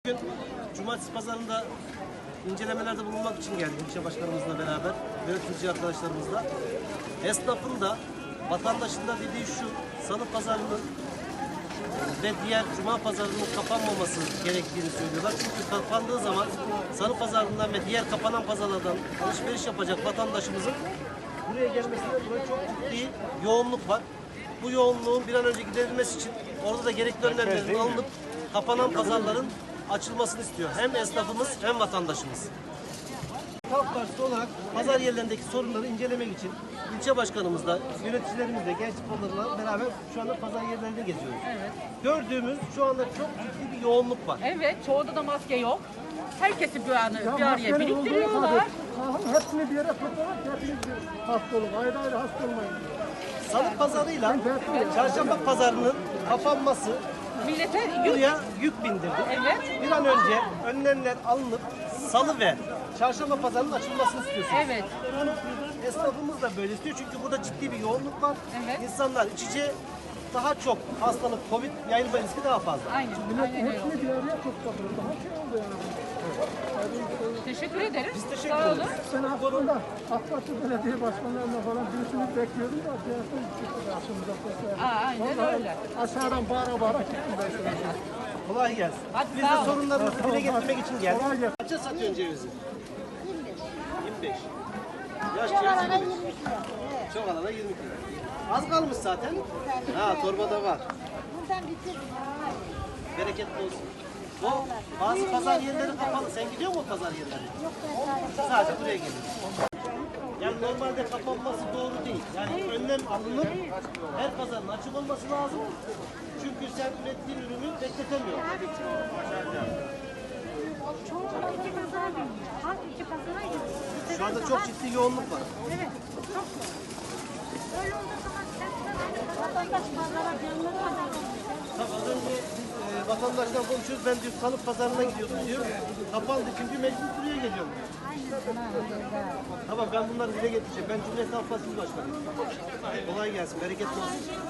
Bugün cumartesi pazarında incelemelerde bulunmak için geldik ilçe başkanımızla beraber, yönetici arkadaşlarımızla. Esnafın da vatandaşın da dediği şu, salı pazarının ve diğer cuma pazarının kapanmaması gerektiğini söylüyorlar. Çünkü kapandığı zaman salı pazarından ve diğer kapanan pazarlardan alışveriş yapacak vatandaşımızın buraya gelmesinde dolayı çok ciddi yoğunluk var. Bu yoğunluğun bir an önce giderilmesi için orada da gerekli önlemlerin alınıp kapanan pazarların açılmasını istiyor. Hem esnafımız hem vatandaşımız. Halk Partisi olarak pazar yerlerindeki sorunları incelemek için ilçe başkanımızla, yöneticilerimizle, genç sporlarla beraber şu anda pazar yerlerinde geziyoruz. Evet. Gördüğümüz şu anda çok ciddi bir yoğunluk var. Evet, çoğunda da maske yok. Herkesi bir araya biriktiriyorlar. Hepsini bir yere toplamak, hepiniz bir hasta olun. Ayrı ayrı hasta olmayın. Salı pazarıyla çarşamba pazarının kapanması Millete yük. buraya yük bindirdi. Evet. Bir an önce önlemler alınıp salı ve çarşamba pazarının açılmasını istiyorsunuz. Evet. Esnafımız da böyle istiyor çünkü burada ciddi bir yoğunluk var. Evet. İnsanlar iç içe daha çok hastalık, Covid yayılma riski daha fazla. Aynen. Aynen öyle. Hepsini bir araya topladılar. Daha şey oldu yani. Teşekkür ederim. Biz teşekkür Sağ olun. ederiz. Ben aslında AK Parti belediye başkanlarına falan birisini bekliyordum da diğerleri çıktı karşımıza. Aynen öyle. Aşağıdan bağıra gittim ben şuraya. Kolay gelsin. Hadi Biz sağ de olun. sorunlarımızı dile getirmek için geldik. Kolay gelsin. Kaça satıyorsun cevizi? 25. Yaş Çok cevizi alana 25. 20 kilo. Evet. Çok alana 20 kilo. Az kalmış zaten. Ha, torbada var. Buradan bitirdim. Ha. Bereketli olsun. O bazı pazar yerleri kapalı. Sen gidiyor musun pazar yerlerine? Yok ben sadece. Sadece buraya geliyorsun. Yani normalde kapanması doğru değil. Yani önlem alınıp her pazarın açık olması lazım. Çünkü sen ürettiğin ürünü bekletemiyorsun. Çoğunlukla iki pazara biniyor. Halk iki pazara gidiyor. Şu anda çok ciddi yoğunluk var. Evet. Çok zor. Öyle olduğu zaman vatandaş pazara canlı pazar olmuyor. Tabii az önce biz vatandaşla konuşuyoruz. Ben diyor salı pazarına gidiyordum diyor. Kapandı çünkü mecbur buraya geliyorum diyor. Tamam ben bunları dile getireceğim. Ben Cumhuriyet Halk Partisi Başkanıyım. Kolay gelsin. Bereketli olsun.